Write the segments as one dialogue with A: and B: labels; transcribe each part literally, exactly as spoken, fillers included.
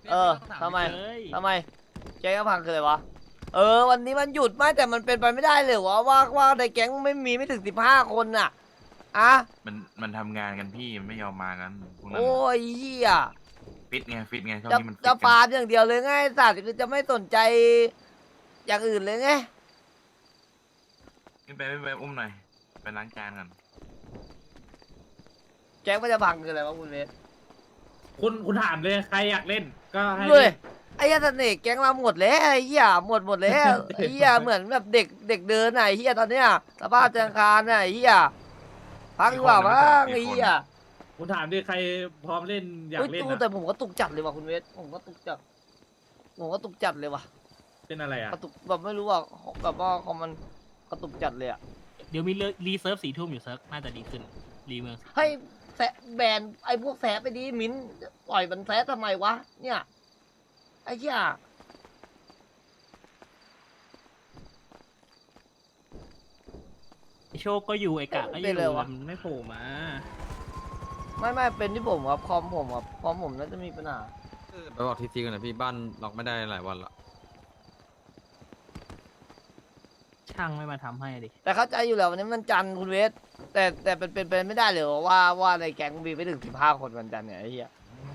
A: เออทำไมทำไมแก๊งก็พังคืออะไรวะเออวันนี้มันหยุดไม่แต่มันเป็นไปไม่ได้เลยวะว่าว่าในแก๊งไม่มีไม่ถึงสิบห้าคนน่ะอะ
B: มันมันทำงานกันพี่มันไม่ยอมมากันพวกนั้น
A: โอ้ยเหี้ย
B: ฟิตไงฟิตไงช่วง
A: จะ
B: นี้มันฟิต
A: จะ
B: กั
A: ฟาน ร์มอย่างเดียวเลยไงสัตว์คือจะไม่สนใจอย่างอื่นเลยไง
B: ขึ้นไปไปไปอุ้มหน่อยไปล้างจานกัน
A: แก๊งมันจะพังคืออะไรวะคุณเวส
C: คุณคุณถามเลยใครอยากเล่นก็ให้
A: ด้วย
C: เล่น
A: ไอ้เหี้ยเสน่ห์แก๊งเราหมดแล้วไอ้เหี้ยหมดหมดแล้วไอ้เหี้ยเหมือนแบบเด็กเด็กเดินน่ะไอ้เหี้ยตอนเนี้ยสภาพจังคารน่ะไอ้เหี้ยพังดีกว่ามั้งไอ้เหี้ย
C: คุณถามดิใครพร้อมเล่นอยาก
A: เฮ้ย
C: เล่น
A: ตู้
C: นะ
A: แต่ผมก็ตุกจัดเลยว่ะคุณเวสผมก็ตุกจัดผมก็ตุกจัดเลยว่ะ
C: เป็นอะไรอ่ะ
A: กระตุกแบบไม่รู้ว่าแบบว่าคอมมันกระตุกจัดเลยอ่ะ
D: เดี๋ยวมีรีเซิร์ฟสี่ทุ่มอยู่เซิร์ฟน่าจะดีขึ้นรีเมือง
A: ให้แซะแบนไอ้พวกแซะไปดีมิ้นปล่อยมันแซะทำไมวะเนี่ยไอ้เหี้ย
D: ไอโชคก็อยู่ไอกะก็อยู่มันไม่โผล่มา
A: ไม่ไม่เป็นที่ผมครับคอมผมครับคอมผมน่าจะมีปัญหา
E: ไปบอกทีซีกันนะพี่บ้านล็อกไม่ได้หลายวันละ
D: ช่างไม่มาทำให้ดิ
A: แต่เข้าใจอยู่แล้ววันนี้มันจันทร์คุณเวสแต่แต่เป็นเป็นเป็นไม่ได้เลยว่าว่าในแก๊งมีไม่ถึงสิบห้าคนวันจันทร์เนี่ยไอ้เหี้ย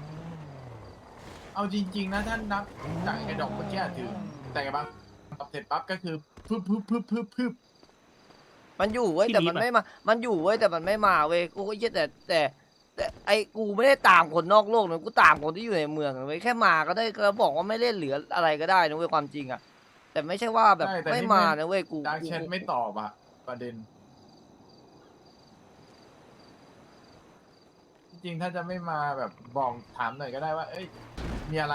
F: เอาจริงๆนะท่านนับจากไอ้ดอกเมื่อกี้ถึงแต่ไงบ้างตอบเสร็จปั๊บก็คือพึบพึบพึบพึบพึบ
A: มันอยู่เว้ยแต่มันไม่มามันอยู่เว้ยแต่มันไม่มาเว้ยกูก็เหี้ยแต่แต่แต่ไอ้กูไม่ได้ตามคนนอกโลกนะกูตามคนที่อยู่ในเมืองนะเว้ยแค่มาก็ได้ก็บอกว่าไม่เล่นเหลืออะไรก็ได้นะเว้ยความจริงอะแต่ไม่ใช่ว่าแบบ
F: ใช่แต่
A: ไม่
F: นี่
A: มา
F: ไม่
A: นะเว้ยกู
F: ดาร์ก
A: กู
F: แชทไม่ตอบอะประเด็น จริงๆถ้าจะไม่มาแบบบอกถามหน่อยก็ได้ว่า เอ้ยมีอะไร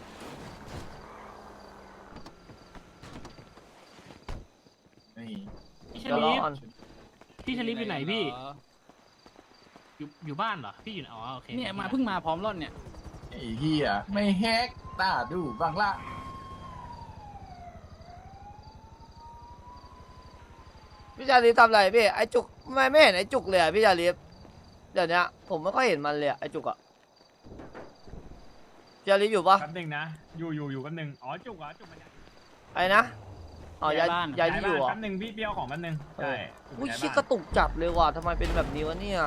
F: นี่
D: พี่ช
A: เดี๋ยวร
D: ลิ
A: อ
D: ฟ
A: ก่อน
D: พี่ชลิฟอยู่ไหนพี่อยู่อยู่บ้านเหรอพี่อยู่อ๋อโอเค
G: เนี่ยมาเพิ่งมาพร้อมร่อนเนี่ย
F: ไอ้เหี้ยไม่แฮกตาดูบ้างละ
A: พี่ชาลีฟทำอะไรพี่ไอ้จุกไม่ไม่เห็นไอ้จุกเลยอะพี่ชาลีฟเดี๋ยวนี้ผมไม่ค่อยเห็นมันเลยอะไอ้จุกอะพี่ชาลีฟอยู่ปะ
H: แป๊บหนึงนะ อยู่อยู่อยู่แป๊บหนึงอ๋อ จุกเหรอจุกมันย้าย
A: ไอ้นะอ๋อย้าย
G: ย้ายบ้าน
A: ย้ายที่อยู่เหร
H: บ้าน
A: อ่ะ
H: แป๊บหนึงพี่เปี้ยวของแป๊บหนึงใช่
A: อุ้ย
H: ย้าย
A: ชิ
H: บ้าน
A: กระตุกจับเลยว่ะทำไมเป็นแบบนี้วะเนี่ย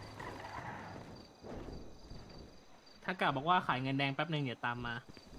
D: ถ้ากะบอกว่าขายเงินแดงแป๊บนึงเดี๋ยวตามมา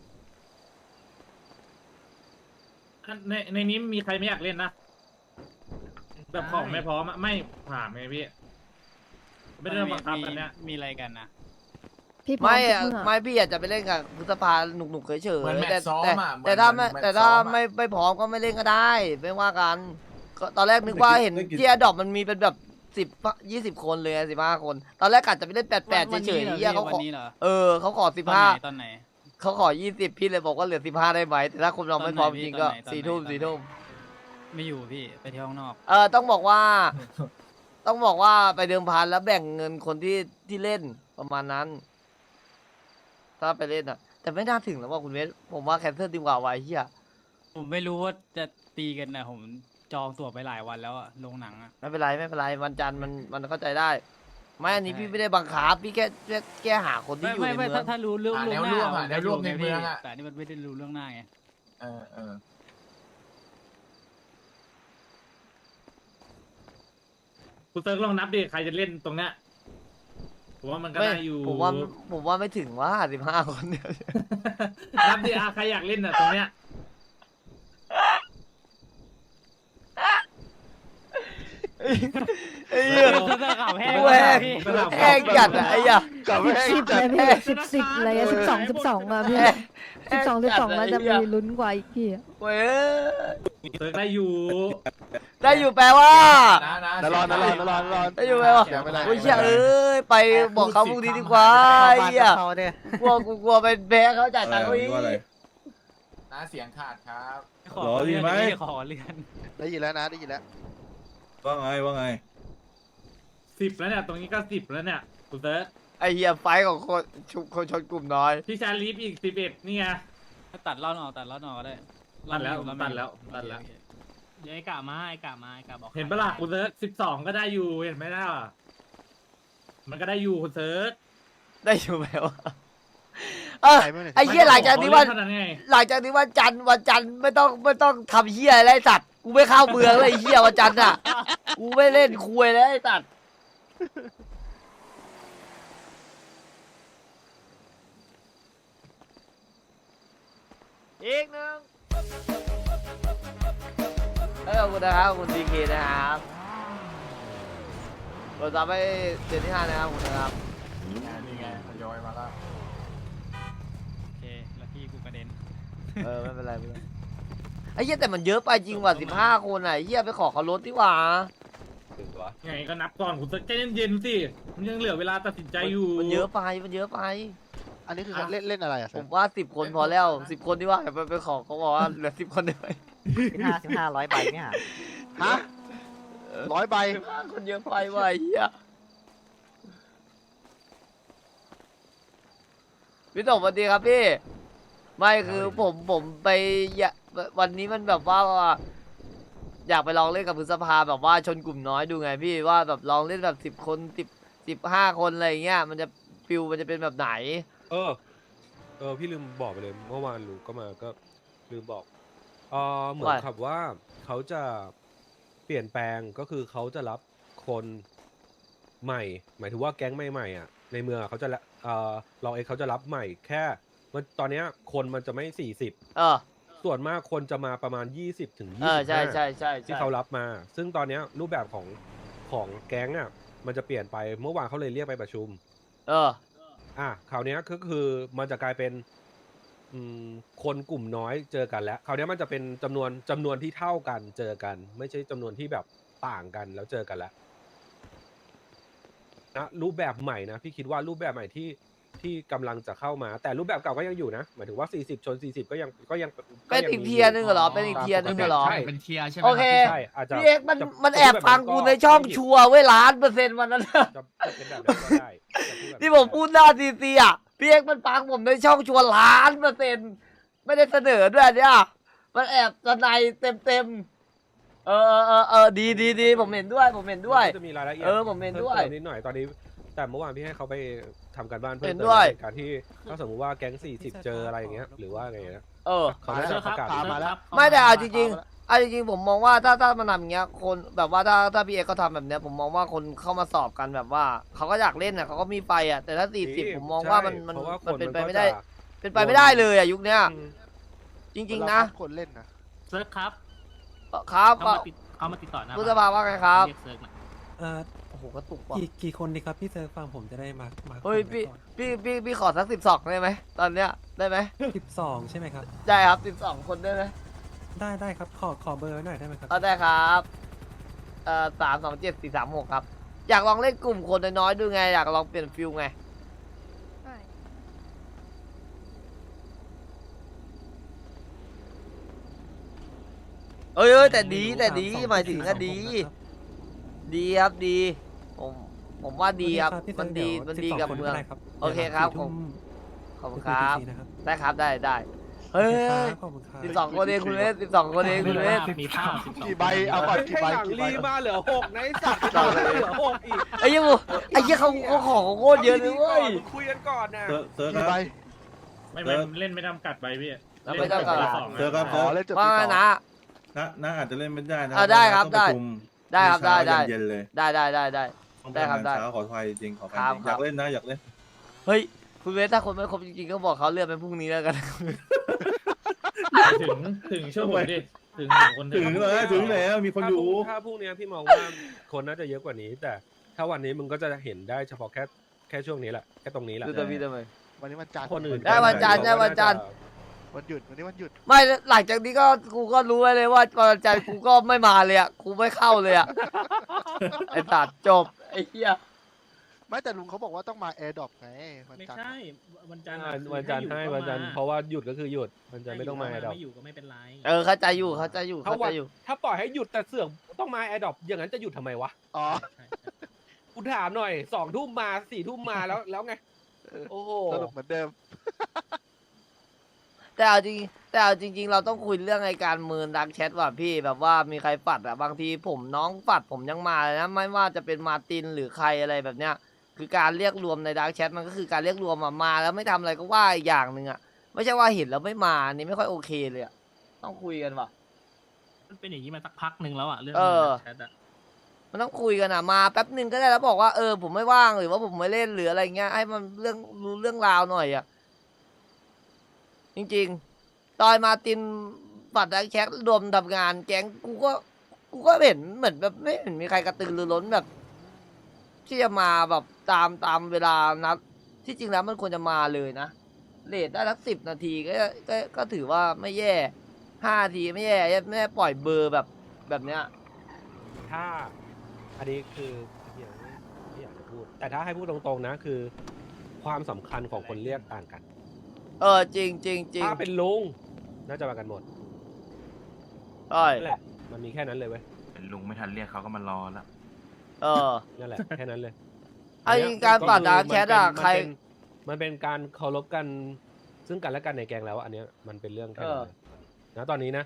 C: ในในนี้มีใครไม่อยากเล่นนะแบบของไม่พร้อมอะไม่ถามไงพี่ไม่ได้บังคับกันเนี้ย
G: มีอะไรกันนะ
I: พี่พร้อ
A: ไม่
I: ทุก
A: อะ
I: เมื่อ
A: ไม่พี่อยากจะไปเล่นกับพฤษภาหนุกหนุกๆเฉย
F: เหมือนแมต
A: แต่
F: ช์ซ้อม
A: แต่
F: อะเหมือน
A: แต่ถ้าไม่
F: เหมือน
A: แต่
F: แมตช์
A: ถ้า
F: ซ้อมอะ
A: ไม่ไม่พร้อมก็ไม่เล่นก็ได้ไม่ว่ากันก็ตอนแรกนึกว่าเห็นที่อดอปมันมีเป็นแบบสิบยี่สิบคนเลยสิบห้าคน ตอนแรกกะจะไปเล่นแปดแปด
G: วัน
A: เฉ
G: นี้
A: ย
G: เหรอ
A: ๆเหี้ยเขา
G: วั
A: ขอน
G: นี้เหรอ
A: เออเขาขอสิบ
G: ตอน
A: ห้า
G: ไหนตอนไหน
A: เขาขอยี่สิบพี่เลยบอกว่าเหลือสิบห้าได้ไหมแต่ถ้าคุณเราไม่พร้อมจริงก็
G: ตอนไหนพี่
A: สี่ทุ่ม
G: ตอนไหน
A: สี่ทุ่ม
G: ไม่อยู่พี่ไปเที่ยวข้างนอก
A: เออต้องบอกว่า ต้องบอกว่าไปเดิมพันแล้วแบ่งเงินคนที่ที่เล่นประมาณนั้น ถ้าไปเล่นอ่ะ แต่ไม่น่าถึงแล้วว่าคุณเวสผมว่าแคนเซิลดีกว่าไว้เฮีย
G: ผมไม่รู้ว่าจะตีกันนะผมจองตั๋วไปหลายวันแล้วอะลงหนังอะ
A: ไม่เป็นไรไม่เป็นไรวันจันทร์มันมันเข้าใจได้ ไม่อันนี้
G: ใช่
A: พี่ไม่ได้บังคับพี่แค่แค่แค่หาคนที่
G: ไม่
A: อยู่
G: ไม่
A: ใน
G: ไม่
A: เมือ
G: ถ้าง ถ้ารู้เรื่อง
F: หา
G: ล่ว
F: แน
G: ง
F: ว
G: หน้า
F: ร่วมอะ
G: ผม
F: แนวร่วมใน
G: ไ
F: เมืองอะ
G: แต่นี่มันไม่ได้รู้เรื่องหน้าไง
F: เออเออ
C: คุณเซิร์กลองนับดิใครจะเล่นตรงเนี้ยผมว่ามันก็
A: ไม่
C: ได้อยู่
A: ผมว่าผมว่าไม่ถึงว่าสิบห้าคนเนี่ย
C: นับดิอาใครอยากเล่นอ่ะตรงเนี้ย
A: ไอ้เหี้ย
G: เสื้อขาวแห้ง
A: แห้ง
G: พี่
A: แห้งจัดอะไอ้เหี้ย
I: สิบสิบเลยพี่สิบสิบอะไรอะสิบสองสิบสองอะพี่
A: แห้
I: สิบสองสิบสอง
A: จัด
I: แล้วจะ
A: ไอ้
I: มี
A: เหี้ย
I: ลุ้นกว่าอีกพี่อะ
A: เว้ย
C: เซิร์กได้อยู่
A: ได้อยู่แปลว่า
F: นะนะ
E: นรอนนรอนนรอนนรอน
A: ได้อยู่แปลว่า
F: เดี๋ยวไม่ได้
A: โอ้ยเชี่ยเอ้ยไปบอกเขาพรุ่งนี้ดีกว่าไอ้เหี้ยกลัวกูกลัวไปแพ้เขาจ่ายตังค์เขาอีก
F: นะเสียงขาดครับ
G: ขอเลื่อนพี่ขอเลื่อน
E: ได้ยินแล้วนะได้ยินแล้ว
J: ว่าไงว่าไง
C: สิบแล้วเนี่ยตรงนี้ก็สิบแล้วเนี่ยคุณเซิร์ก
A: ไอ้เหี้ยไฟท์ของคนชุคนชนกลุ่มน้อย
C: พี่ชาลีฟอีกสิบเอ็ดนี่ไง
G: ตัดล่อนออกตัดล่อนออกก็ได้
C: ตัดแล้ว
G: ร่อน
C: ตัด
G: ไม่อยู่
C: แล้วตัดแล้ว
G: โอเค
D: เดี๋ยวไอกะมาไอกะมาไอกะบอก
C: เห็นปะล่ะคุณเซิร์กสิบสองก็ได้อยู่เห็นไหมล่ะมันก็ได้อยู่คุณเซิร์ก
A: ได้อยู่แปลว่าเออ
E: ใครไม่เนี่ย
A: ไอ้เหี้ยหลังจากนี้วัน
C: เขเล่เท่นั้นไง
A: หลังจากนี้วันจันทร์วันจันทร์ไม่ต้องไม่ต้องทำเหี้ยอะไรไอ้สัตว์กูไม่เข้าเมืองเลยไอ้เหี้ยวันจันทร์อ่ะกูไม่เล่นคุยแล้วไอ้สัตว์อีกหนึ่งเออขอบคุณนะครับขอบคุณดีเคนะครับเราจะไปเดือนที่ห้านะครับขอบคุณนะครับ
F: นี่ไงทยอยมาแล้ว
G: โอเค แล้วพี่กูกระเด็น
A: เออไม่เป็นไรไม่เป็นไรไอ้เหี้ยแต่มันเยอะไปจริงว่ะสิบห้าคนอ่ะไอ้เหี้ยไปขอเขาลดดีกว่า
C: ไงก็นับก่อนคุณใจเย็นๆสิมันยังเหลือเวลาตัดสินใจอยู่
A: มันเยอะไปมันเยอะไป
E: อันนี้คือเล่นเล่นอะไรอ่ะ
A: ผมว่าสิบคนพอแล้วสิบคนดีกว่าไปไปขอเขาบอกว่าเหลือสิบคนได้ไหม
G: สิบห้าสิบห้าร้อยใบเนี่ย
E: ฮะร้อยใบ
A: สิบห้าคนเยอะไปว่ะไอ้เหี้ยพี่ตบสวัสดีครับพี่ไม่คือผมผมไปอยากวันนี้มันแบบว่าอยากไปลองเล่นกับพฤษภาแบบว่าชนกลุ่มน้อยดูไงพี่ว่าแบบลองเล่นแบบสิบคนสิบสิบห้าคนอะไรอย่างเงี้ยมันจะฟิลมันจะเป็นแบบไหน
K: เออ เออ พี่ลืมบอกไปเลย เมื่อวานลูกก็มาก็ลืมบอกเออเหมือน
A: ว่า
K: กับว่าเขาจะเปลี่ยนแปลงก็คือเขาจะรับคนใหม่ หมายถึงว่าแก๊งใหม่ๆอ่ะ ในเมืองอะเขาจะละเออเราเองเขาจะรับใหม่แค่มันตอนเนี้ยคนมันจะไม่สี่สิบ
A: เออ
K: ส่วนมากคนจะมาประมาณยี่สิบถึง
A: เอ
K: ยี่
A: อ
K: สิบ
A: ใช่ใช่ใช่
K: ที่
A: ใช่
K: เขารับมา ซึ่งตอนเนี้ยรูปแบบของของแก๊งอ่ะมันจะเปลี่ยนไปเมื่อวานเขาเลยเรียกไปประชุม
A: เออ
K: อ่ะคราวเนี้ยก็คือมันจะกลายเป็นอืมคนกลุ่มน้อยเจอกันแล้วคราวเนี้ยมันจะเป็นจำนวนจำนวนที่เท่ากันเจอกัน ไม่ใช่จำนวนที่แบบต่างกันแล้วเจอกันแล้วนะรูปแบบใหม่นะพี่คิดว่ารูปแบบใหม่ที่ที่กำลังจะเข้ามา แต่รูปแบบเก่าก็ยังอยู่นะหมายถึงว่าสี่สิบชนสี่สิบก็ยังก็ยัง
A: เป็นอีกเทียร์หนึงเหรอเป็นอีกเทียร์หนึงเหรอ
K: ใช่
G: เป็นเทียร์ใช่ไหม
A: โอเค
K: ใช่อาจจะ
A: พี่เอกมัน
K: จะ
A: มันแอบฟังกูในช่องชัวร์ไว้ล้านเปอร์เซ็นต์วันนั้น
K: จะจะเป็นแบบนั้นก็ได้จะพูดแบบนั้น
A: ที่ผมพูดหน้าซีซีอ่ะพี่เอกมันฟังผมในช่องชัวร์ล้านเปอร์เซ็นต์ไม่ได้เสนอด้วยเนี่ยมันแอบสนายเต็มเต็มๆเออเออเออเออดีดีดีผมเห็นด้วยผมเห็นด้วย
K: มันก็จะมีรายละเอียด
A: เออผมเห็นด้วย
K: พิ่มติมนิดหน่อยตอนนี้ แต่เมื่อวานพี่ให้เขาไปทำการบ้านเพิ่ม
A: เห็น
K: เติม
A: ด้วย
K: ในการที่ถ้าสมมติว่าแก๊งสี่สิบเจออะไรอย่างเงี้ยหรือว่าไงนะ
A: เออ
K: เขาได้จะประกาศ
E: มาแล้ว
A: ไม่แต่เอาจริงๆเอาจริงๆผมมองว่าถ้าถ้ามันทำอย่างเงี้ยคนแบบว่าถ้าถ้าพี่เอกเขาทำแบบเนี้ยผมมองว่าคนเข้ามาสอบกันแบบว่าเขาก็อยากเล่นอ่ะเขาก็มีไฟอ่ะแต่ถ้าสี่สิบผมมองว่ามันมัน
K: เพราะว่า
A: มัน
K: ค
A: เป็นไป
K: ก็
A: ไม่ได้
K: จะ
A: เป็นไปไม่ได้เลยอ่ะยุคเนี้ย
K: อืม
A: จริง ๆ นะ
E: คนเล่นนะ
D: เซิร์ฟครับ
A: เอ่อครับ
D: เขามาติดเขามาติดต่อหนะ
A: พุทธภาว่าไงครับ
D: เรียกเซิร์ฟน่ะ
L: เอ่อ
A: โอ้โหกระตุกว่ะ
L: กี่กี่คนดีครับพี่เซิร์ฟฟังผมจะได้มามา
A: เฮ้ยพี่พี่พี่พี่ขอสักสิบสองได้ไหมตอนเนี้ยได้ไหม
L: สิบสองใช่ไหมครับ
A: ได้ครับสิบสองคนได้ไหม
L: ได้ได้ครับขอขอเบอร์ไว้หน่อยได้ไหมครับ
A: เอาได้ครับเอ่อสามสองเจ็ดสี่สามหกครับอยากลองเล่นกลุ่มคนน้อยๆดูไงอยากลองเปลี่ยนฟิลไงเอ้ยเอ้ยแต่ดีแต่ดีหมายถึงก็ดี ดีครับดีผมผมว่าดีครับมันดีมันดีกับเมือง โอเคครับผม ขอบคุณครับ ได้ครับได้ได้เฮ้ย
L: ขอบคุณครับ
A: สิบสองคนเองคุณเวสสิบสองคนเองคุณเวส
D: มีภาพสิบสอง
E: กี่ใบเอาก่อนกี่ใบ
K: ให้หลัง
E: กี่ใบ
K: รีมาเหลือหกในสัตว์เหลือหกอีก
A: ไอ้เหี้ยังไอ้เหี้ยเขาเขาของโคตรเยอะเลยเว้ย
K: คุยกันก่อนนะ
J: เซิร์ฟเซิร์ฟค
E: กี่
J: รับ
E: ใบ
C: ไม่ไม่เล่นไม่จำกัดไปพี่
A: แล้วไม่จำกัด
C: เล่นสอง
J: เซิร์ฟครับ
E: อ๋
J: เซิ
E: อ
J: ร์ฟ
E: เล่นจบ
A: ว่า
E: ที่
A: ไง
E: สอง
A: นะ
J: น้าน้าอาจจะเล่นไม่ได้นะ
A: อ่าได้ครับ
J: ต้องประชุม
A: ได้ครับได้ได้
J: เย็นๆเลย
A: ได้ได้ได้ได้
J: ต้อง
A: ได้ครับ
J: ทำงาน
A: ได้
J: เช้าขออภัยจริงขออภัย
A: ครับ
J: จริง
A: ค
J: อ
A: รับ
J: ยากเล่นนะอยากเล่น
A: เฮ้ยคุณเวสถ้าคนไม่ครบจริงๆก็บอกเขาเลื่อนเป็นพรุ่งนี้แล้วกัน
C: ถึงถึงช่วงผมดิถึงถึงคน
J: ถึงเลยถึงแล้วมีคนอยู่
K: ถ้าพรุ่งนี้พี่มองว่าคนน่าจะเยอะกว่านี้ แต่ถ้าวันนี้มึงก็จะเห็นได้เฉพาะแค่แค่ช่วงนี้แหละแค่ตรงนี้แหละ
A: ดูตัวพี่ทำไม
E: วันนี้วันจันทร์
K: คนอื่น
A: ได้วันจันทร์ได้วันจันทร์
E: วันหยุดวันนี้วันหยุด
A: ไม่หลังจากนี้ก็กูก็รู้ไว้เลยว่าตอนใจกูก็ไม่มาเลยอ่ะกูไม่เข้าเลยอ่ะ ไอ้ตัดจบไอ้เหี้ย
E: ไม่แต่ลุงเขาบอกว่าต้องมาแอร์ดรอปไงวัน
D: ไม่
E: จันทร์
D: ใช่วันจันทร์
K: อ่า
D: อะคือ
K: วันจันทร์
D: ถ้า
K: ให้
D: อยู่
K: วันจันทร์
D: ก็
K: เพราะว่าหยุดก็คือหยุดมันจะไม่ต้องมา
D: ถ้
K: แอดดอป
D: ไม่อยู่ก็ไม่เป็นไร
A: เออเข้าใจอยู่เข้าใจอยู่
K: ถ้า
A: เข้า
K: วั
A: ใจ
K: น
A: อยู่
K: ถ้าปล่อยให้หยุดแต่เสือกต้องมาแอดดอปอย่างนั้นจะหยุดทำไมวะ
E: อ๋อ
D: ใช่ใช่
K: กูถามหน่อยสองทุ่มมาสี่ทุ่มมาแล้วแล้วไงโอ้โห
E: สรุปเหมือนเดิม
A: แต่เอาจริงแต่เอาจริง ๆ เราต้องคุยเรื่องไอ้การเมืองดักแชทว่ะพี่แบบว่ามีใครปัดอ่ะบางทีผมน้องปัดผมยังมาเลยนะไม่ว่าจะเป็นมาร์ตินหรือใครอะไรแบบเนี้ยคือการเรียกรวมในดาร์กแชทมันก็คือการเรียกรวมมามาแล้วไม่ทำอะไรก็ว่าอีกอย่างหนึ่งอะไม่ใช่ว่าเห็นแล้วไม่มาอันนี้ไม่ค่อยโอเคเลยอะต้องคุยกันว่ะ
D: มันเป็นอย่างนี้มาสักพักหนึ่งแล้วอ่ะเรื่อง
A: เออ
D: แชทอะ
A: มันต้องคุยกันอะมาแป๊บหนึ่งก็ได้แล้วบอกว่าเออผมไม่ว่างหรือว่าผมไม่เล่นหรืออะไรเงี้ยให้มันเรื่องรู้เรื่องราวหน่อยอะจริงๆตอนมาตินปัดดักแชทรวมทำงานแก๊งกูก็กูก็เห็นเหมือนแบบไม่เห็นมีใครกระตือรือร้นแบบ ที่จะมาแบบตามตามเวลานัดที่จริงแล้วมันควรจะมาเลยนะเลทได้สักสิบนาทีก็ก็ก็ถือว่าไม่แย่ห้านาทีไม่แย่ไม่แย่ปล่อยเบอร์แบบแบบเนี้ย
K: ถ้าอันนี้คือที่อยากที่อยากจะพูด แต่ถ้าให้พูดตรงๆนะคือ ความสำคัญของคนเรียกต่างกัน
A: เออจริงจริงจริง
K: ถ้าเป็นลุงน่าจะมากันหมด
A: ใช่
K: นั่นแหละมันมีแค่นั้นเลยเว้ย
B: เป็นลุงไม่ทันเรียกเขาก็มารอแล้ว
A: เออ
K: นั่นแหละแค่นั้นเลย
A: ไอ้การปัดดาร์กแชทอะใคร
K: มันเป็นการเคารพกันซึ่งกันและกันในแกงแล้วอันเนี้ยมันเป็นเรื่องแค่นั้นเลยนะตอนนี้นะ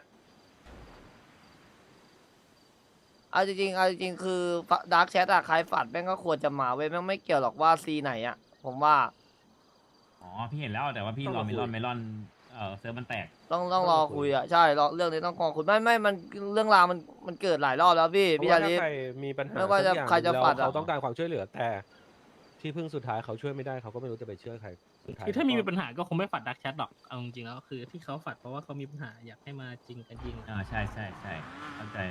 A: เอาจริงๆเอาจริงๆคือดาร์กแชทอะใครฝัดแม่งก็ควรจะมาเว้ยแม่งไม่เกี่ยวหรอกว่าซีไหนอะผมว่า
H: อ๋อพี่เห็นแล้วแต่ว่าพี่รอเมลอนเมลอนเออเซิร์ฟมันแตก
A: ต้องต้องรอคุยอะใช่รอเรื่องนี้ต้องรอคุยไม่ไม่มันเรื่องราวมันมันเกิดหลายรอบแล้วพี่
K: เพ
A: พี่
K: ราะ
A: ชา
K: ว่า
A: ลิ
K: ถ้าใครมีปัญหา
A: ไม่ว่าจะ
K: สักอย่ง
A: ใครจะ
K: แล้ว
A: ปัดอะ
K: เขาต้องการความช่วยเหลือแต่ ที่พึ่งสุดท้ายเขาช่วยไม่ได้เขาก็ไม่รู้จะไปเชื่อใครสุดท้าย
D: คือถ้ามี
K: เขก็
D: ปัญหาก็คงไม่ฝัดดักแชทหรอกเอาจริงๆแล้วคือที่เขาฝัดเพราะว่าเขามีปัญหาอยากให้มาจริงกันจริง
H: อ่าใช่ใช่ใช่เข้าใจ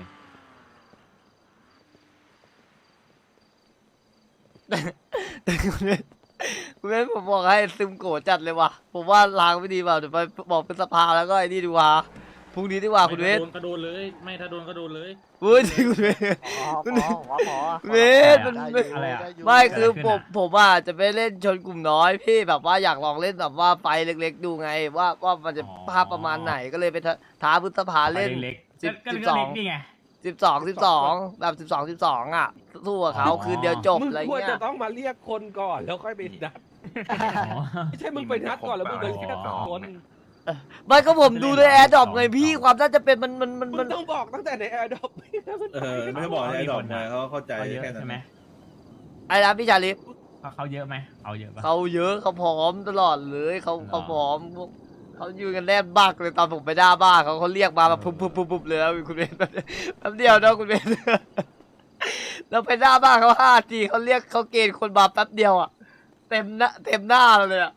A: แต่คุณเบนคุณเบนผมบอกให้ซึมโกรธจัดเลยว่ะผมว่าล้างไม่ดีเปล่าเดี๋ยวไปบอกเป็นสภาแล้วก็ไอ้นี่ดีกว่าพรุ่งนี้ดีกว่า
C: ไม่
A: คุณเบ
C: ถ้าน โดนก็โดนเลย ไม่ถ้าโดนก็โดนเลย
A: เว้ยจริงคุณเบนคุณเบนคุณเบนมัน
E: ได้
A: ไม่
E: อยู่
H: อะไรอะ
E: ด้ยู่
A: ไม่คือ
H: เกิดอะไรขึ้น
A: ผม
H: อะ
A: ผมว่าจะไปเล่นชนกลุ่มน้อยพี่แบบว่าอยากลองเล่นแบบว่าไฟเล็กๆดูไง ว่าว่ามันจะภาพประมาณไหนก็เลยไปท้าท้าพฤษภาเล่น
H: เล็ก
A: สิบ
H: ก็
A: สิบ
H: ก็
A: สอง
H: เล็กนี่ไง
A: สิบสองสิบสองแบบสิบสองสิบสองอ่ะสู้กับเขา
H: อ๋อ
A: คืนเดียวจบ
K: มึง
A: อะไร
K: ควร
A: เงี้
K: จะ
A: ย
K: ต้องมาเรียกคนก่อนแล้วค่อยไปนัด
H: อ๋อ
K: ไม่ใช่มึงไปนัดก่อนแล้วมึงไปแค่สองคน
A: ไม่ก็ผมดูในแอร์ดรอปไงพี่ความน่าจะเป็นมันมันมัน
K: มึ
A: มั
K: ง
A: น
K: ต้องบอกตั้งแต่ในแอร์ดอป
J: เออไม่ได้บอกให้ดอกไงเขาเข้าใจ
H: เขาเยอะ
J: แค่นั้น
H: ใช่ไหม
A: ไอ้นะพี่ชาลิฟ
H: เขาเขาเยอะไหมเอาเยอะปะ
A: เขาเยอะเขาพร้อมตลอดเลยเขา
H: หรอ
A: เขาพร้อมพวกเขาอยู่กันแนบบักเลยตอนผมไปหน้าบ้านเขาเขาเรียกมาแบบปุ๊บปุ๊บปุ๊บปุ๊บเลยนะคุณเบนแป๊บเดียวนะคุณเบนเราไปหน้าบ้านเขาห้าทีเขาเรียกเขาเกณฑ์คนมาแป๊บเดียวอ่ะเต็มหน้าเต็มหน้าเราเลยอ่ะ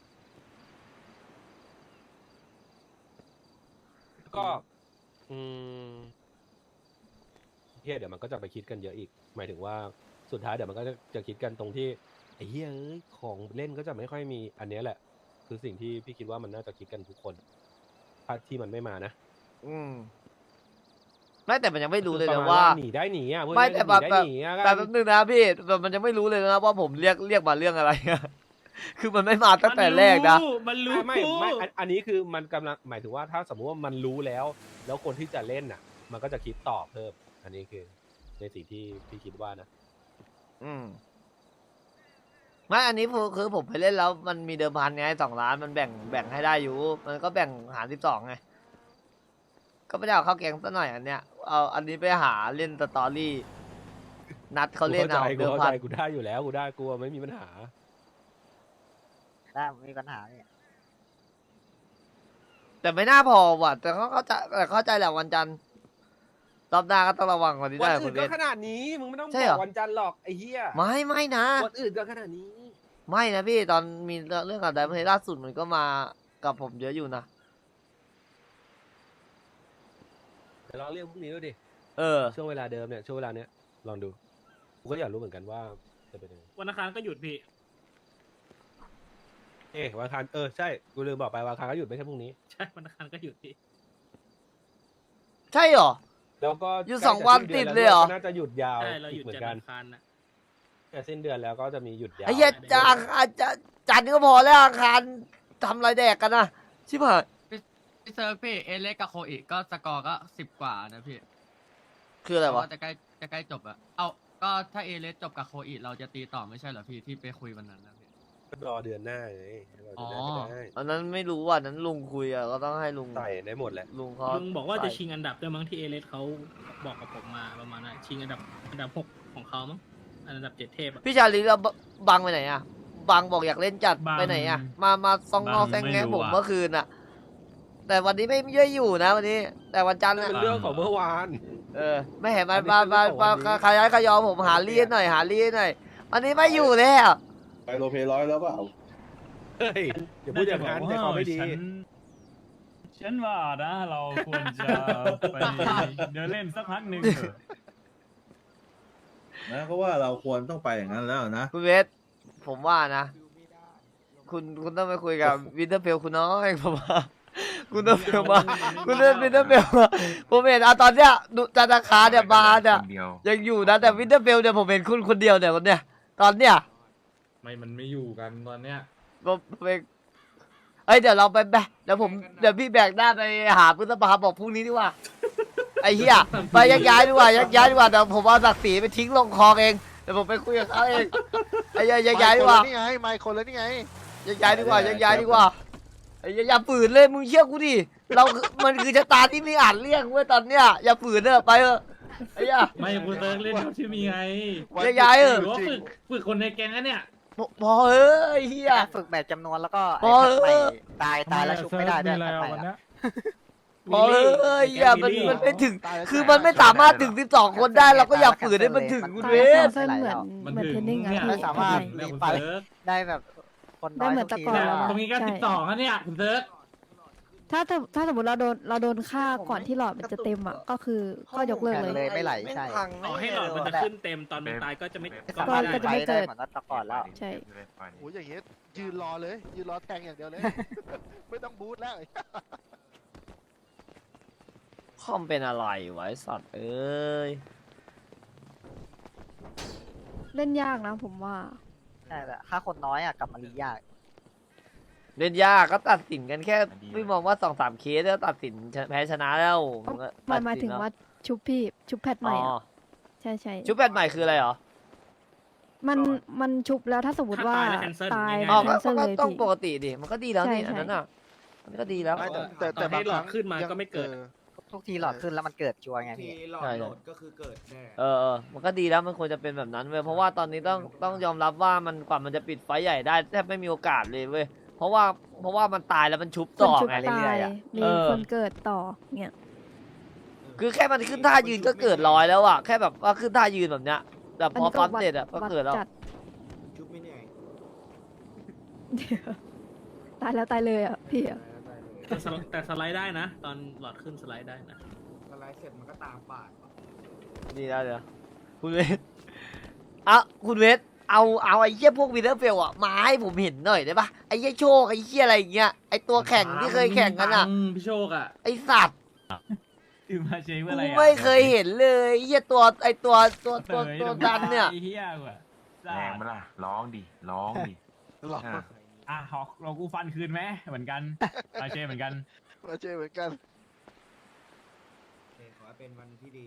K: ก็ อืมเฮียเดี๋ยวมันก็จะไปคิดกันเยอะอีก หมายถึงว่าสุดท้ายเดี๋ยวมันก็จะจะคิดกันตรงที่ไอ้เฮียเอ้ยของเล่นก็จะไม่ค่อยมีอันเนี้ยแหละ คือสิ่งที่พี่คิดว่ามันน่าจะคิดกันทุกคนถ้าที่มันไม่มานะ
A: อืมไม่แต่มันยังไม่รู้เลย
K: ประ
A: นะ
K: ณ
A: ว่า
K: หนีได้หนีอ่ะเพื่อน
A: ไม่แต่
K: ห
A: แบ
K: นี
A: บ
K: ได้
A: แบบ
K: หนีอ่ะ
A: แต่แป๊บนึงนะพี่แบบมันยังไม่รู้เลยนะว่าผมเรียกเรียกมาเรื่องอะไรอะ คือมันไม่มาตั้งแต่แรกนะ
D: มันรู้
K: ไม่ไม่ไม่อันอันนี้คือมันกำลังหมายถึงว่าถ้าสมมุติว่ามันรู้แล้ว แล้วคนที่จะเล่นน่ะ มันก็จะคิดต่อเพิ่ม อันนี้คือในสิ่งที่พี่คิดว่านะ
A: อืมไม่อันนี้คือคือผมไปเล่นแล้วมันมีเดิมพันไงสองล้านมันแบ่งแบ่งให้ได้อยู่ มันก็แบ่งหารสิบสองไง ก็ไม่ได้เอาเข้าแกงซะหน่อยอันเนี้ยเอาอันนี้ไปหาเล่นสตอรี่ นัดเขาเล่นเอา
K: กู
A: เดิม
K: เข้า
A: พั
K: ใจ
A: น
K: กูได้อยู่แล้วกูได้กูไม่มีปัญหา
M: ได้มีปัญหาเนี่ย
A: แต่ไม่น่าพอว่ะแต่เขาเข้าใจแต่เข้าใจแหละวันจันทร์รอบหน้าก็ต้องระวังกว่านี้
K: วั
A: ได้
K: น
A: คุ
K: อื่
A: ณ
K: น
A: เบ
K: ก็
A: ส
K: ขนาดนี้มึงไม่ต้อง
A: ใช่
K: บ
A: เหร
K: อ
A: อ
K: กวันจันทร์หรอกไอ้เหี้ย
A: ไม่ไม่นะ
K: วันอื่นก็ขนาดนี้
A: ไม่นะพี่ตอนมีเรื่องกับไดมอนด์ล่าสุดมันก็มากับผมเยอะอยู่นะ
K: เดี๋ยวลองเรียกพรุ่งนี้ดูดิ
A: เออ
K: ช่วงเวลาเดิมเนี่ยช่วงเวลาเนี้ยลองดูกูก็อยากรู้เหมือนกันว่าจะเป็นยังไง
D: วันอังคารก็หยุดพี่
K: เอ๊ะวันอังคารเออใช่กูลืมบอกไปวันอังคารก็หยุดไม่ใช่พรุ่งนี้
D: ใช่วันอังคารก็หยุดพี่
A: ใช่เหรอ
K: แล้วก็
A: หยุด
K: ใกล้
A: สองวัน
K: จะ
A: ติ
K: สิ้
A: ด
K: น
A: เลยเหรอ
K: ก็น่าจะหยุดยาว
D: ใช่เราห
K: อี
D: ยุ
K: ก
D: ด
K: เหมือ
D: จัน
K: น
D: ท
K: กัน
D: ร์อังคารนะ
K: แต่สิ้นเดือนแล้วก็จะมีหยุดยาว
A: ไอ้เหี้ยจะอังคารจะจันทร์ก็พอแล้วอังคารทำอะไรแดกกันนะชิบหาย
G: พี่เซิร์ฟพี่เอเล็กกับโคอีก็สกอร์ก็สิบกว่านะพี่
A: คืออะไรวะ
G: เพาจะใกล้จะใกล้จบอะเอาก็ถ้าเอเลสจบกับโคอีเราจะตีต่อไม่ใช่เหรอพี่ที่ไปคุยวันนั้นนะพี่
K: ก็รอเดือนหน้าไงรอเดือนหน้า
G: อ๋อ
K: ก็ได้
A: อันนั้นไม่รู้ว่านั้นลุงคุยอ่ะก็ต้องให้ลุง
K: ใส่ได้หมดแหละ
A: ลุงเขา
D: ลุงบอกว่าจะ
A: ใส่
D: ชิงอันดับด้วยมั้งที่เอเลสเขาบอกกับผมมาประมาณนั้นชิงอันดับอันดับหกของเขามั้งอันดับเจ็ดเทพอะ
A: พี่ชาลีเราบังไปไหนอ่ะบังบอกอยากเล่นจัด
H: บัง
A: ไปไหนอ่ะมามาซองงอ
H: บัง
A: แซง
H: ไม่
A: แงะ
H: รู้
A: ผม
H: อะ
A: เมื่อคืนอ่ะ แต่วันนี้ไม่ได้อยู่นะวันนี้ แต่วันจันทร์
K: เป็น
A: น่ะ
K: เรื่องของเมื่อวาน
A: เออไม่เห็น
K: อั
A: มาน
K: นี้
A: มา
K: คือ
A: มา
K: เรื่องของ
A: มา
K: วันนี้
A: ขย้ายขยอผมหาเลียนหน่อยหาเลียนหน่อยวันนี้ไม่อยู่แล้ว
J: ไปโลเพร้อยแล้วเปล่า
K: เฮ้ยอย่าพูดอย่างนั้นใจคอไม่ดี
H: ฉันฉันว่านะเราควรจะไปเดินเล่นสักพักหนึ่งเถอะ
J: นะก็ว่าเราควรต้องไปอย่างนั้นแล้วนะ
A: คุณเวสผมว่านะ คุณคุณต้องไปคุยกับวินเทอร์เพลคุณน้อยผมว่าคุณต้องเพลมาคุณเล่นวินเทอร์เพลมาผมเห็นอ่ะตอนเนี้ยดูจันทคาเนี่ยมาเนี่ย
B: คนเดียว
A: ยังอยู่นะแต่วินเทอร์เพลเนี่ยผมเห็นคุณคนเดียวเนี่ยคนเนี้ยตอนเนี้ย
C: ไม่มันไม่อยู่กันตอนเนี้ย
A: ผมไปเอ้ยเดี๋ยวเราไปแบกเดี๋ยวผมเดี๋ยวพี่แบกหน้าไปหาพฤษภาบอกพรุ่งนี้ดีกว่าไอ้เหี้ยไปยักย้ายดีกว่ายักย้ายดีกว่าเดี๋ยวผมเอาศักดิ์ศรีไปทิ้งลงคลองเองเดี๋ยวผมไปคุยกับเขาเองไอ้เหี้ยยักย้ายดีกว่า
E: นี่ไงไมค์คนแล้วนี่ไง
A: ยักย้ายดีกว่ายักย้ายดีกว่าไอ้เหี้ยอย่าฝืนเลยมึงเชื่อกูดิเรามันคือชะตาที่ไม่อาจเลี่ยงเว้ยตอนเนี้ยอย่าฝืนเถอะไปเถอะไอ้เหี้ย
C: ไม่คุณเติร์กเล่นเท่าที่มีไง
A: ยักย้ายเออ
C: หรือว่าฝึกฝึกคนในแก๊งอะเนี่ย
A: พอพอเอ้ยเหี้ย
M: ฝึกแบบจำนวนแล้วก็
A: พอเออ
M: ตายตายแล้วชุบไม่ได้ด้วย
C: แล้ว
M: ใหม่
C: วัน
M: อะ
C: เนี้ย
A: พอเอ้ยอย่ามันมันไม่ถึง คือมันไม่สามารถถึงสิบสองคนได้เราก็อย่าฝืนให้มันถึงคุณ
I: ตา
A: เวย
I: แซ
A: ส
I: มเส้นเหมือน
C: มัน
I: เหมือน
C: ถึ
I: เท
C: ง
I: รนนิ่งอะ
C: เนี่ย
I: พี่
M: ไม่สามารถ
C: เนี่ยคุณ
M: ไป
C: เติร์ก
M: ได้แบบคนน้
I: ได้
M: อย
I: เหมือน
M: ทุก
I: แต่
M: ที
I: ก่อน
M: แล้
I: แล้ว วอะ
C: ตรงนี้ก็
I: ใช่
C: สิบสองอะเนี่ยคุณเติร์ก
I: ถ้าถ้าถ้าสมมติเราโดนเราโดนฆ่าก่อนที่หลอดมันจะเต็มอ่ะก็คือก็ยกเลิกเลย
M: เลยไม่ไหลใช่
D: ต่อให้หลอดมันจะขึ้นเต็มตอนมันตายก็จะไม่
M: ไม่
D: ก็
M: สามารถ
D: ไม่ได้
I: ก็จะไม่
M: ไป
I: เกิ
M: ได้
I: ด
M: เหมือนแต่ก่อนแล้ว
I: ใช่
E: โอ้ยอย่างเงี้ยยืนรอเลย ยืนรอแทงอย่างเดียวเลย ไม่ต้องบูทแล้ว
A: คอมเป็นอะไรวะไอ้สัตว์เอ้ย
I: เล่นยากนะผมว่า
M: ใช่แต่ถ้าคนน้อยอ่ะกลับมาลียาก
A: เล่นยากก็ตัดสินกันแค่พี่มองว่าสองสามเคสแล้วตัดสินแพ้ชนะแล้วนก็
I: หมายหมาย
A: ตัดสิ
I: ถึ
A: น
I: ง
A: แล้ว
I: ว่าชุบพี่ชุบแพทให
A: อ๋
I: ม่
A: อ
I: อะใช่ใช่
A: ชุดแพทใหม่คืออะไรเหรอ
I: มันมันชุบแล้วถ้าสมมติว่า
D: ถ้าตายแล้ว cancel
I: ตาย
D: ง่ายๆ
A: อ๋อ
I: แค
A: ก็
I: นเซิล
A: ก็
I: เลย
A: ต้อง
I: พี่
A: ปกติดิมันก็ดีแล้วนี่
I: ใช่
A: อันนั้น
I: ใช่
A: อ่ะมันก็ดีแล้ว
E: ไม่แต่แต่
D: ต่
E: แต่
D: อให้
E: บาง
D: หลอด
E: ครั้ง
D: ขึ้นมา
E: ยัง
D: ก็ไม่เกิด
E: ออ
M: ทุกทีหลอดขึ้นแล้วมันเกิดชัวร์ไงพี่
A: ใช่ใช่เออเออมันก็ดีแล้วมันควรจะเป็นแบบนั้นเว้ยเพราะว่าตอนนี้ต้องต้องยอมรับว่ามันกว่ามันจะปิดไฟใหญ่ได้แทบไม่มีโอกาสเลยเว้ยเพราะว่าเพราะว่ามันตายแล้วมันชุบ
I: คน
A: ต่อ
I: ชุบ
A: ไง
I: ตายมี
A: เออ
I: คนเกิดต่อเนี่ย
A: คือแค่มันขึ้นท่ายืนก็เกิดร้อยแล้วอ่ะแค่แบบว่าขึ้นท่ายืนแบบเนี้ยแต่พอปั๊มเสร็จอ่ะก็
I: วัด
A: เกิดแล้ว
I: จัดตายแล้วตายเลยอ่ะพี่อะ
D: แต่สไลแต่สไลด์ได้นะ ตอนหลอดขึ้นสไลด์ได้นะ
A: ดีแล้วเดี๋ยวคุณเวทอ่ะคุณเวทเอาเอาไอ้เหี้ยพวกวินเทอร์เฟลอ่ะมาให้ผมเห็นหน่อยได้ปะไอ้เหี้ยโชคไอ้เหี้ยอะไรอย่างเงี้ยไอ้ตัวแข่งที่เคยแข่งกันอ่ะ
C: อืมพี่โชคอ่ะ
A: ไอ้สัตว์
H: คือมาเชฟ
A: กู
H: อะไรอะ
A: ไม่เคยเห็นเลยไอ้เหี้ยตัวไอ้ตัวตัวตัว
H: เต๋ย
A: ตัวดันเนี่ย
H: ไอ้เหี้ยว่ะ
B: แรงไหมล่ะร้องดิร้องดิ
E: หรอ
B: อ่ะ
H: อ่ะหอกเรากูฟันคืนไหมเหมือนกันมาเชฟเหมือนกัน
E: มาเจอเหมือนกัน
L: ขอเป็นวันที่ดี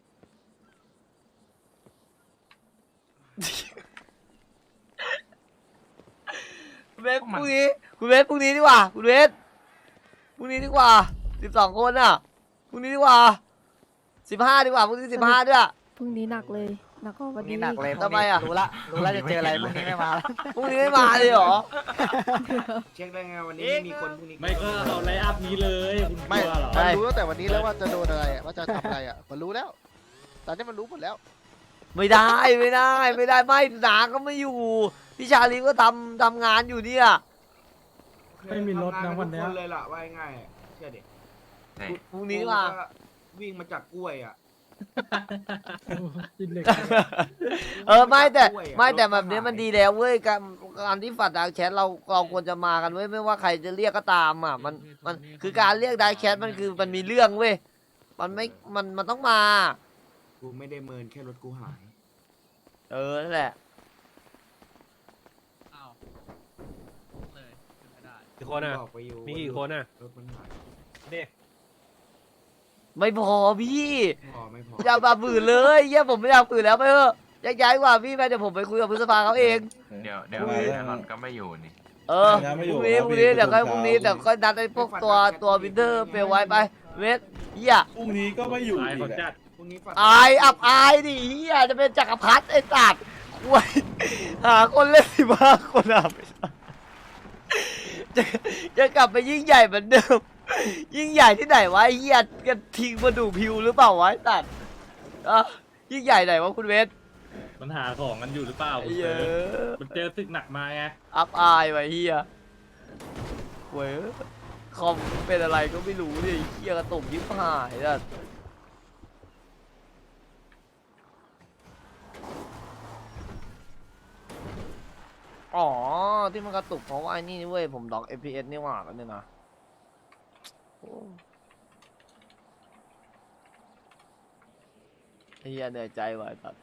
A: คุณเวทพรุ่งนี้คุณเวทพรุ่งนี้ดีกว่าคุณเวทพรุ่งนี้ดีกว่าสิบสองคนอ่ะพรุ่งนี้ดีกว่าสิบห้าดีกว่าพรุ่งนี้สิบห้าด้วย
I: พรุ่งนี้หนักเลยหนักกว่าวัน
M: นี่
I: นี้
M: หนักเลย
A: ทำไมอะ
M: รู้ละรู้ละจะเจออะไรพรุ่งนี้ไม่มาแล้ว
A: พรุ่งนี้ไม่มาเลยเหรอ
L: เช็คได้ไงวันนี้ไม่มีคนพรุ่งนี้
C: ไม่ก็เอาไลน์อัพนี้เลยคุณก
E: ไม่
C: ลัวเหรอ
E: มันรู้ตั้งแต่วันนี้แล้วว่าจะโดนอะไรอะว่าจะทำอะไรอ่ะ มันรู้แล้ว ตอนนี้มันรู้หมดแล้ว
A: ไม่ได้ไม่ได้ไม่ได้ไม่หนาก็ไม่อยู่พี่ชาลีก็ทำทำงานอยู่เนี่ย
C: ไม่มีรถนะวันเนี้ย
L: เลยล่ะว่าง่ายๆเชื่อดิ
B: ไหน
A: พรุ่งนี้ดีกว่า
L: วิ่งมาจากกล้วยอ่ะ
A: เออไม่แต่ไม่แต่แบบนี้มันดีแล้วเว้ยการการที่ฝัดดาร์กแชทเราเราควรจะมากันเว้ยไม่ว่าใครจะเรียกก็ตามอ่ะมันมันคือการเรียกดาร์กแชทมันคือมันมีเรื่องเว้ยมันไม่มันมันต้องมา
L: กูไม่ได้เมินแค่รถกูหาย
A: เออนั่นแหละ
G: อ้าวเลยขึ้นไม่ได้
K: กี่คนอ่ะ
L: บอกไปอยู่
K: มีกี่คนอ่ะ
L: รถมันหาย
K: เด็ก
A: ไม่พอพี่
L: พอไม่พอ
A: อย่ามาฝืนเลยเยี่ยผมไม่อยากฝืนแล้วไปเถอะย้ายย้ายกว่าพี่ไปเดี๋ยวผมไปคุยกับพฤษภาเขาเอง
B: เดี๋ยวเดี๋ยว
J: มา
B: แน่
J: แล้ว
B: นอนก็ไม่อยู่นี่
A: เออพรุ่งนี้พรุ่งนี้เดี๋ยวค่อยพรุ่งนี้เดี๋ยวค่อยนัดไอ้พวกตัวตัววินเทอร์เปลไว้ไปเวทเฮีย
J: พรุ่งนี้ก็ไม่อยู่
C: สาย
J: อี
C: เขา
J: ก
C: จั
J: อะ
C: ด
L: พรุ่งนี้ฝัน
A: อายอับอายดิเฮียจะเป็นจักรพรรดิไอ้สัตว์คไว้หาคนเล่นสิบห้าคนอ่ะไม่ใช่จะจะกลับไปยิ่งใหญ่เหมือนเดิม ยิ่งใหญ่ที่ไหนวะไอ้เหี้ยกันทิ้งมาดูพิวหรือเปล่าวะไอ้ตัดอ่ะยิ่งใหญ่ไหนวะคุณเวท
C: มันหาของกันอยู่หรือเปล่า
A: ไอ้
C: คุณ
A: เหี้
C: เซิ
A: ย
C: ร์ฟมันเจอศึกหนักมาไง
A: อับอายไว้เฮียเว้ยคอมเป็นอะไรก็ไม่รู้ดิเฮียกระตุกยิบหายอ่ะอ๋อที่มันกระตุกเพราะว่าไอ้นี่เว้ยผมล็อก เอฟ พี เอส นี่หว่ากันเนี่ยนะโอ้เฮียเหนื่อยใจว่ะไอ้ตัด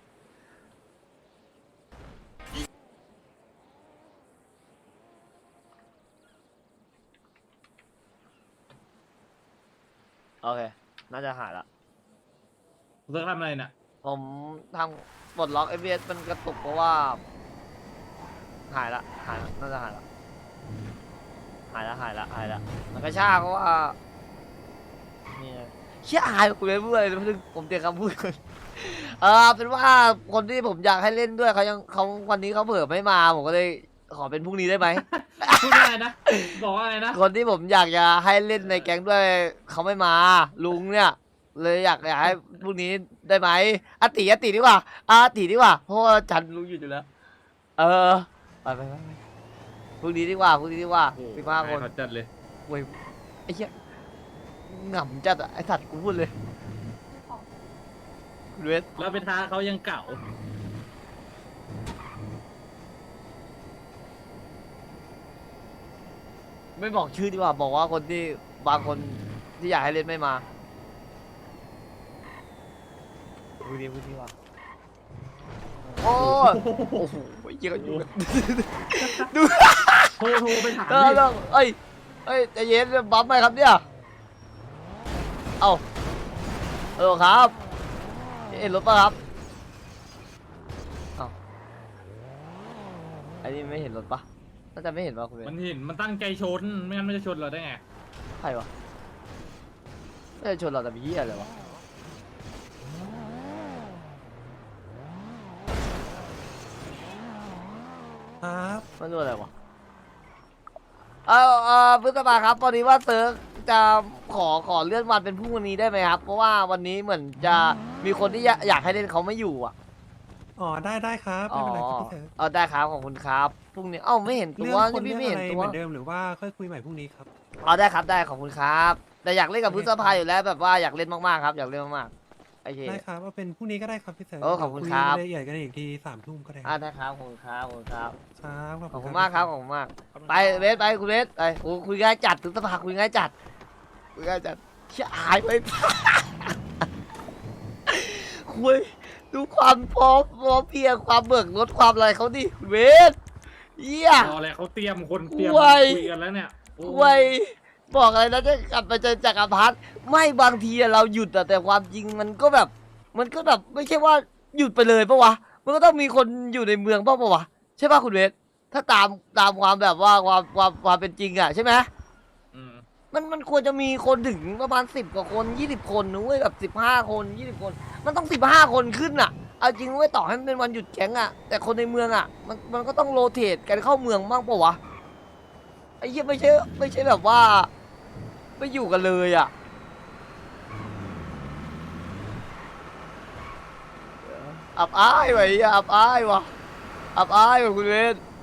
A: โอเค น่าจะหายละ
C: คุณเซิร์ฟทำอะไรน่ะ
A: ผมทำปลดล็อก เอฟ พี เอส มันกระตุกเพราะว่า หายละ หายละ น่าจะหายละ หายละ หายละ หายละ มันกระชากเพราะว่านี่ไงเชี่ยหายกูเลยพูดอะไรนะผมเตรียมคำพูดก่อนเออเป็นว่าคนที่ผมอยากให้เล่นด้วยเขายังเขาวันนี้เขาเผื่อไม่มา ผมก็เลยขอเป็นพรุ่งนี้ได้ไหม
C: พูดอะไรนะ บอกว่าอะไรนะ
A: คนที่ผมอยากจะให้เล่นในแก๊งด้วยเขาไม่มา ลุงเนี่ย เลยอยากอยากให้พรุ่งนี้ได้ไหมอาติอาติดีกว่าอาติดีกว่าเพราะว่าจันลุงอยู่อยู่แล้ว เออไปไปไปไปพรุ่งนี้ดีกว่าพรุ่งนี้ดีกว่า
C: โอ้โห
A: สิบห้าคน
C: เขาจัดเลย
A: เว้ยไอ้เหี้ยหง่ำจัดอะไอ้สัตว์กูพูดเลยคุณเวท
C: แล้วไปท้าเขายังเก่า
A: ไม่บอกชื่อดีกว่าบอกว่าคนที่บางคนที่อยากให้เล่นไม่มาพูดดีพูดดีว่าโอ้ยโอ้โหเยี่ยกันอยู่กันดู
C: โทรโทรไปถาม
A: เออ
C: ดิ
A: เรื่องเอ้ยเอ้ยใจเย็นบัฟไหมครับเนี่ยเอ้าเออครับเห็นรถป่ะครับเอ้าอันนี้ไม่เห็นรถป่ะน่าจะไม่เห็นป่ะคุณเวท
C: มันเห็นมันตั้งใจชน ไม่งั้นมันจะชนเราได้ไง
A: ใครวะไม่ได้ชนเราแต่มีเหี้ยอะไรวะครับมันดูอะไรวะเออเออพฤษภาครับตอนนี้ว่าเซิร์ฟจะขอขอเลื่อนวันเป็นพรุ่งนี้ได้ไหมครับ เพราะว่าวันนี้เหมือนจะมีคนที่อยากอยากให้เล่นเขาไม่อยู่อ่ะ
N: อ๋อได้ได้ครับ
A: อ๋
N: ไม่
A: อ
N: เป็นไรครับพี่เต๋อ
A: เออได้ครับของคุณครับพรุ่งนี้เอ้าไม่เห็นตั
N: เรื่
A: ว
N: องคน
A: นี่
N: เรื่
A: พี่
N: อง
A: ไม่เห็นตัว
N: อะไรเหมือนเดิมหรือว่าค่อยคุยใหม่พรุ่งนี้ครับ
A: อ๋อได้ครับได้ขอบคุณครับ แต่อยากเล่นกับพฤษภาอยู่แล้วแบบว่าอยากเล่นมากๆครับอยากเล่นมากๆโอเค
N: ได้ครับว่าเป็นพรุ่งนี้ก็ได้ครับพี่เต๋อ
A: โอ้ขอบคุณครับ
N: ยรายละเอียดกันอีกทีสามทุ่มก็ได้
A: อ่าได้ครับขอบคุณครับขอบคุณครับ
N: ครับ
A: ขอบคุณมากครับขอบคุณมากไปเวสไปคุณเวสไปโอ้คุยง่ายจัดถึงสภาคุยง่ายจัดคุยง่ายจัดเชี่ยหายไป คุยดูความพร้อมพร้อมเพรียงความเบิกรถความอะไรเขาดิคุณเวสเยี่ย
C: รออะไรเขาเตรียมคนเตรียม
A: ไว้
C: คุยกันแล้วเนี่ยโอ้
A: คุยบอกอะไรนะจะกลับไปเจอจักรพรรดิไม่บางทีอะเราหยุดอะแต่ความจริงมันก็แบบ มันก็แบบไม่ใช่ว่าหยุดไปเลยปะวะมันก็ต้องมีคนอยู่ในเมืองปะปะวะใช่ปะคุณเวสถ้าตามตามความแบบว่าความความความเป็นจริงอะใช่ไหม
C: อืม
A: มันมันควรจะมีคนถึงประมาณสิบกว่าคนยี่สิบคนนะเว้ยแบบสิบห้าคนยี่สิบคน มันต้องสิบห้าคนขึ้นอะเอาจริงเว้ยต่อให้มันเป็นวันหยุดแก๊งอะแต่คนในเมืองอะมันมันก็ต้องโรเตทกันเข้าเมืองบ้างปะวะไอ้เหี้ยไม่ใช่ไม่ใช่แบบว่าไม่อยู่กันเลยอะอับอายว่ะไอ้เหี้ยอับอายว่ะอับอายว่ะคุณเวท